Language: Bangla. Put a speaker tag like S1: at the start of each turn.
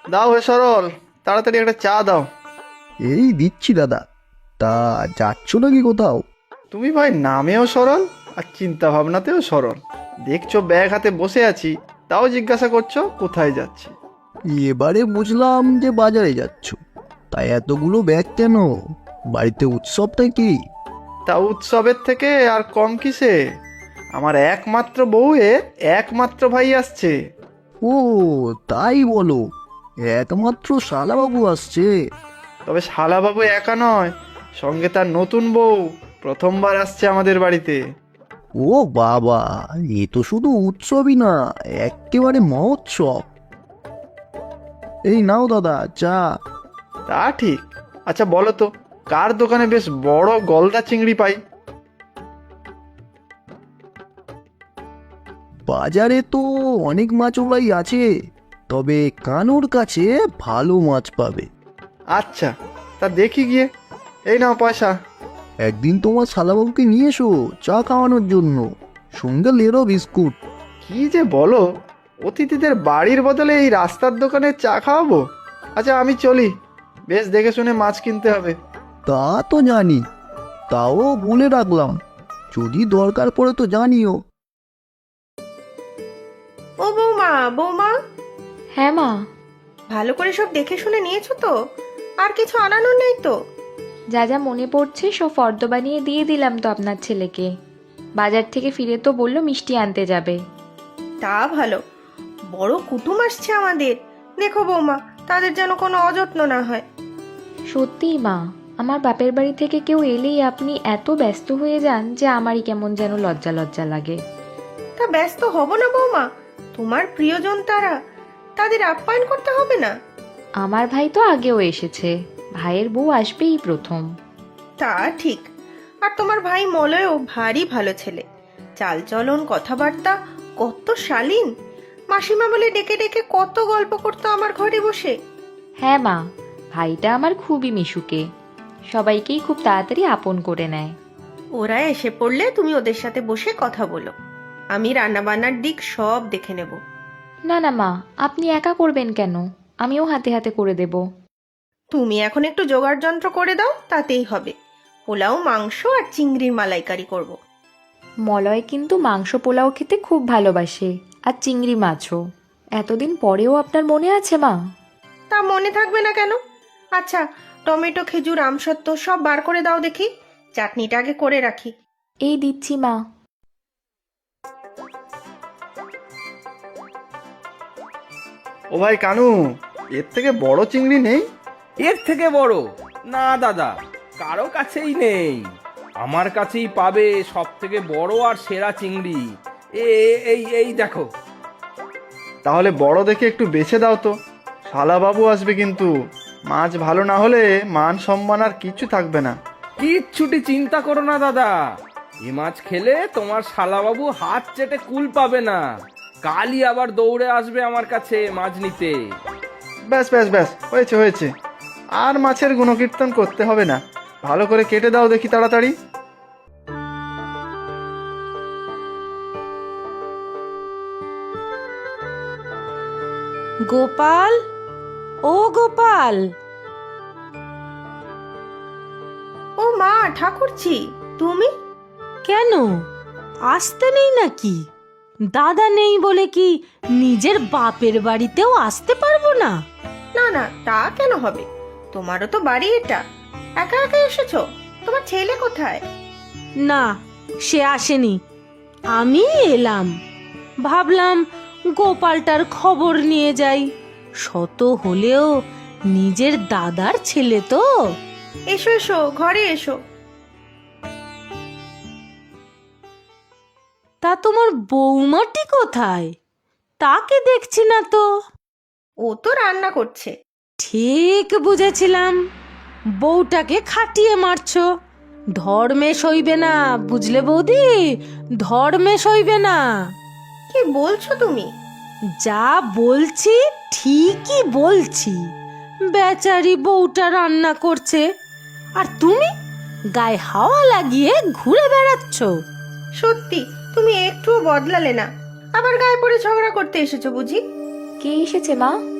S1: দাও হে সরল, তাড়াতাড়ি একটা চা দাও।
S2: এই দিচ্ছি দাদা। তা যাচ্ছ নাকি কোথাও?
S1: তুমি ভাই নামেও সরল আর চিন্তা ভাবনাতেও সরল। দেখছো ব্যাগ হাতে বসে আছি, তাও জিজ্ঞাসা করছো কোথায় যাচ্ছি।
S2: এবারে বুঝলাম যে বাজারে যাচ্ছ। তাই এতগুলো ব্যাগ কেন? বাড়িতে উৎসবটা কি?
S1: তা উৎসবের থেকে আর কম কিসে? আমার একমাত্র বউয়ের একমাত্র ভাই আসছে।
S2: ও, তাই বলো? একমাত্র শালাবাবু আসছে?
S1: তবে শালাবাবু একা নয়, সঙ্গে তার নতুন বউ প্রথমবার আসছে আমাদের বাড়িতে।
S2: ও বাবা, এ তো শুধু উৎসবই না, একেবারে মহোৎসব। এই নাও দাদা চা।
S1: তা ঠিক। আচ্ছা বলো তো, কার দোকানে বেশ বড় গলদা চিংড়ি পাই?
S2: বাজারে তো অনেক মাছওয়ালাই আছে, তবে কানুর কাছে ভালো মাছ পাবে।
S1: আচ্ছা, তা দেখি গিয়ে। এই নাও পয়সা।
S2: একদিন তোমার শালাবাবুকে নিয়ে এসো চা খাওয়ানোর জন্য, সঙ্গে লেরো বিস্কুট।
S1: কি যে বলো, অতিথিদের বাড়ির বদলে এই রাস্তার দোকানে চা খাওয়াবো? আচ্ছা আমি চলি, বেশ দেখে শুনে মাছ কিনতে হবে।
S2: তা তো জানি, তাও বলে রাখলাম, যদি দরকার পড়ে তো জানিও।
S3: ও বৌমা, বৌমা,
S4: হ্যাঁ মা।
S3: ভালো করে সব দেখে শুনে নিয়েছো তো? আর কিছু আনানোর নেই তো?
S4: যা যা মনে পড়ছে সব ফর্দ বানিয়ে দিয়ে দিলাম তো আপনার ছেলেকে। বাজার থেকে ফিরে তো বললো মিষ্টি আনতে যাবে।
S3: তা ভালো, বড় কুটুম আসছে আমাদের। দেখো বৌমা, তাদের যেন কোনো অযত্ন না হয়।
S4: সত্যিই মা, আমার বাপের বাড়ি থেকে কেউ এলেই আপনি এত ব্যস্ত হয়ে যান যে আমারই কেমন যেন লজ্জা লজ্জা লাগে।
S3: তা ব্যস্ত হব না বৌমা? তোমার প্রিয়জন তারা, তাদের আপ্যায়ন করতে হবে না?
S4: আমার ভাই তো আগেও এসেছে, ভাইয়ের বউ আসবেই প্রথম।
S3: তা ঠিক। আর তোমার ভাই মলয়ও ভারী ভালো ছেলে, চালচলন কথাবার্তা কত শালীন। মাসিমা বলে ডেকে ডেকে কত গল্প করতো আমার ঘরে বসে।
S4: হ্যাঁ মা, ভাইটা আমার খুবই মিশুকে, সবাইকেই খুব তাড়াতাড়ি আপন করে নেয়।
S3: ওরা এসে পড়লে তুমি ওদের সাথে বসে কথা বলো, আমি রান্নাবান্নার দিক সব দেখে নেব।
S4: না না মা, আপনি একা করবেন কেন? আমিও হাতে হাতে করে দেব।
S3: তুমি এখন একটু জোগাড় যন্ত্র করে দাও, তাতেই হবে। পোলাও, মাংস আর চিংড়ির মালাইকারি করব।
S4: মলয় কিন্তু মাংস পোলাও খেতে খুব ভালোবাসে, আর চিংড়ি মাছও। এতদিন পরেও আপনার মনে আছে মা?
S3: তা মনে থাকবে না কেন? আচ্ছা, টমেটো, খেজুর, আমসত্ত্ব সব বার করে দাও দেখি, চাটনিটা আগে করে রাখি।
S4: এই দিচ্ছি মা।
S1: ও ভাই কানু, এর থেকে বড় চিংড়ি নেই?
S5: এর থেকে বড়? না দাদা, কারো কাছেই নেই। আমার কাছেই পাবে সব থেকে বড় আর সেরা চিংড়ি। এই দেখো।
S1: তাহলে বড় দেখে একটু বেছে দাও তো, শালাবাবু আসবে কিন্তু। মাছ ভালো না হলে মান সম্মান আর কিছু থাকবে না।
S5: কিচ্ছুটি চিন্তা করো না দাদা, এ মাছ খেলে তোমার শালাবাবু হাত চেটে কুল পাবে না। কালই আবার দৌড়ে আসবে আমার কাছে মাছ নিতে।
S1: ব্যাস ব্যাস ব্যাস, হয়েছে হয়েছে। আর মাছের গুণকীর্তন করতে হবে না, ভালো করে কেটে দাও দেখি তাড়াতাড়ি।
S6: গোপাল, ও গোপাল।
S3: ও মা, ঠাকুরছি, তুমি?
S6: কেন আসতে নেই নাকি? দাদা নেই বলে কি নিজের বাপের বাড়িতেও আসতে পারবো না?
S3: না না, তা কেন হবে? তোমারও তো বাড়ি এটা, একা একা এসেছো? তোমার ছেলে কোথায়?
S6: না, সে আসেনি, আমি এলাম। ভাবলাম গোপালটার খবর নিয়ে যাই, শত হলেও নিজের দাদার ছেলে তো।
S3: এসো এসো, ঘরে এসো।
S6: তা তোমার বৌমাটি কোথায়? তাকে দেখছি না তো।
S3: ও তো রান্না করছে।
S6: ঠিক বুঝেছিলাম, বউটাকে খাটিয়ে মারছো। ধর্মে সইবে না, বুঝলে বৌদি, ধর্মে সইবে না।
S3: কি বলছো তুমি?
S6: যা বলছি ঠিকই বলছি। বেচারি বউটা রান্না করছে, আর তুমি গায়ে হাওয়া লাগিয়ে ঘুরে বেড়াচ্ছ।
S3: সত্যি তুমি একটুও বদলালে না, আবার গায়ে পড়ে ঝগড়া করতে এসেছো বুঝি?
S4: কে এসেছে মা?